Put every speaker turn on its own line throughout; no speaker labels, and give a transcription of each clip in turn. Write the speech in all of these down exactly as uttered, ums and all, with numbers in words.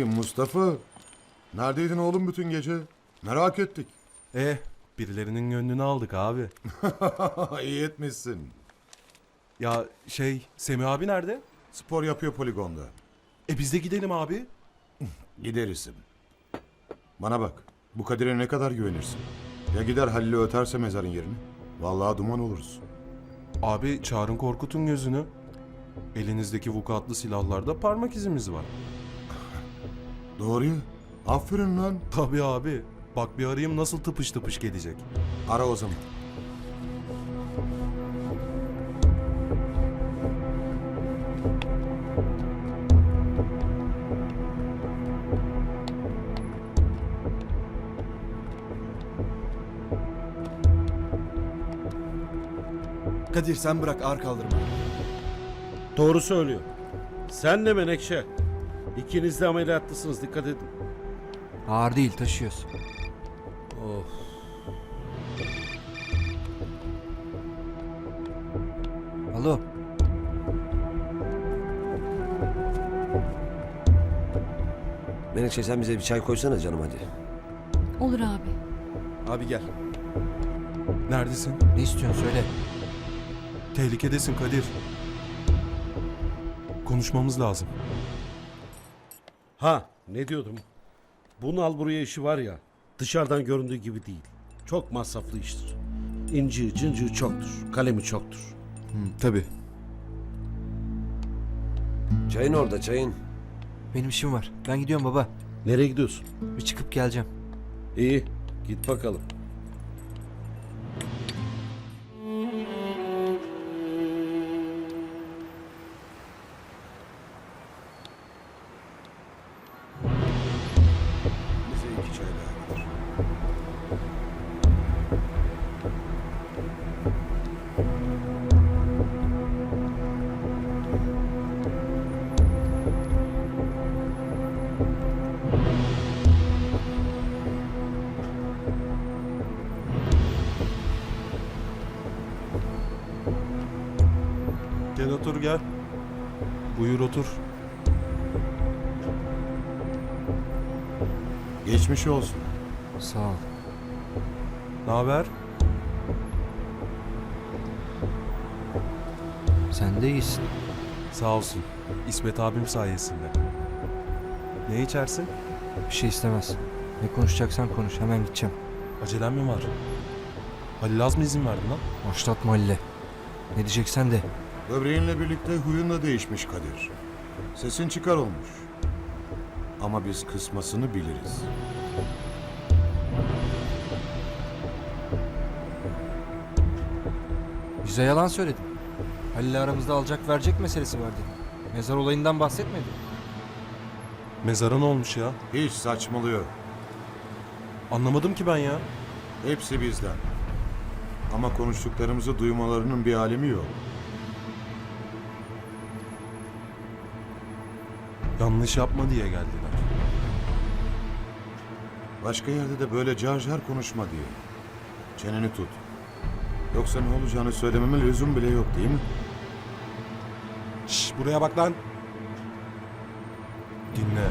bakayım Mustafa. Neredeydin oğlum bütün gece? Merak ettik.
Eh, birilerinin gönlünü aldık abi.
İyi etmişsin.
Ya şey, Semih abi nerede?
Spor yapıyor poligonda.
E biz de gidelim abi.
Gideriz. Bana bak. Bu Kadir'e ne kadar güvenirsin? Ya gider Halil'i öterse mezarın yerini? Vallahi duman oluruz.
Abi çağırın korkutun gözünü. Elinizdeki vukuatlı silahlarda parmak izimiz var.
Doğru ya. Aferin lan.
Tabii abi. Bak bir arayayım nasıl tıpış tıpış gelecek.
Ara o zaman.
Kadir sen bırak, ağır kaldırma.
Doğru söylüyor. Sen de Menekşe. İkiniz de ameliyatlısınız, dikkat edin.
Ağır değil, taşıyoruz.
Of.
Alo.
Menekşe sen bize bir çay koysana canım hadi.
Olur abi.
Abi gel.
Neredesin?
Ne istiyorsun söyle.
Tehlikedesin Kadir. Konuşmamız lazım.
Ha, ne diyordum? Bunun al buraya işi var ya, dışarıdan göründüğü gibi değil. Çok masraflı iştir. İnci, cıncığı çoktur, kalemi çoktur.
Hı, tabii.
Çayın orada çayın.
Benim işim var. Ben gidiyorum baba.
Nereye gidiyorsun?
Bir çıkıp geleceğim.
İyi, git bakalım.
Bize iki çay daha getir.
Gel otur gel. Buyur otur.
Geçmiş olsun.
Sağ ol.
Ne haber?
Sen de iyisin.
Sağ olsun. İsmet abim sayesinde. Ne içersin?
Bir şey istemez. Ne konuşacaksan konuş. Hemen gideceğim.
Acelen mi var? Halil az mı izin verdi lan?
Başlatma Halil'e. Ne diyeceksen de.
Böbreğinle birlikte huyun da değişmiş Kadir. Sesin çıkar olmuş. Ama biz kısmasını biliriz.
Bize yalan söyledin. Halil'le aramızda alacak verecek meselesi vardı. Mezar olayından bahsetmedi.
Mezara ne olmuş ya?
Hiç saçmalıyor.
Anlamadım ki ben ya.
Hepsi bizden. Ama konuştuklarımızı duymalarının bir alemi yok.
Yanlış yapma diye geldiler.
Başka yerde de böyle car car konuşma diye. Çeneni tut. Yoksa ne olacağını söylememe lüzum bile yok değil mi?
Şş, buraya bak lan. Dinle.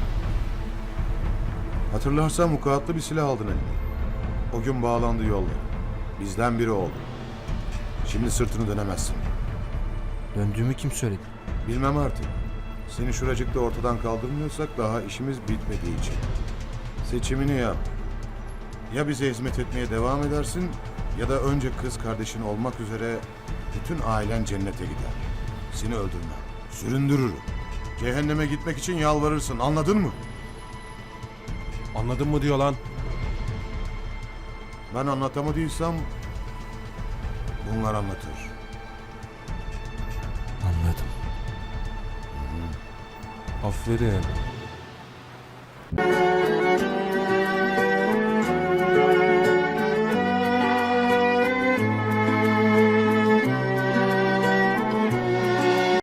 Hatırlarsan mukaatlı bir silah aldın eline. O gün bağlandı yolla. Bizden biri oldu. Şimdi sırtını dönemezsin.
Döndüğümü kim söyledi?
Bilmem artık. Seni şuracıkta ortadan kaldırmıyorsak daha işimiz bitmediği için. Seçimini yap. Ya bize hizmet etmeye devam edersin ya da önce kız kardeşin olmak üzere bütün ailen cennete gider. Seni öldürmem. Süründürürüm. Cehenneme gitmek için yalvarırsın. Anladın mı?
Anladın mı diyor lan?
Ben anlatamadıysam bunlar anlatır.
Anladım.
Aferin.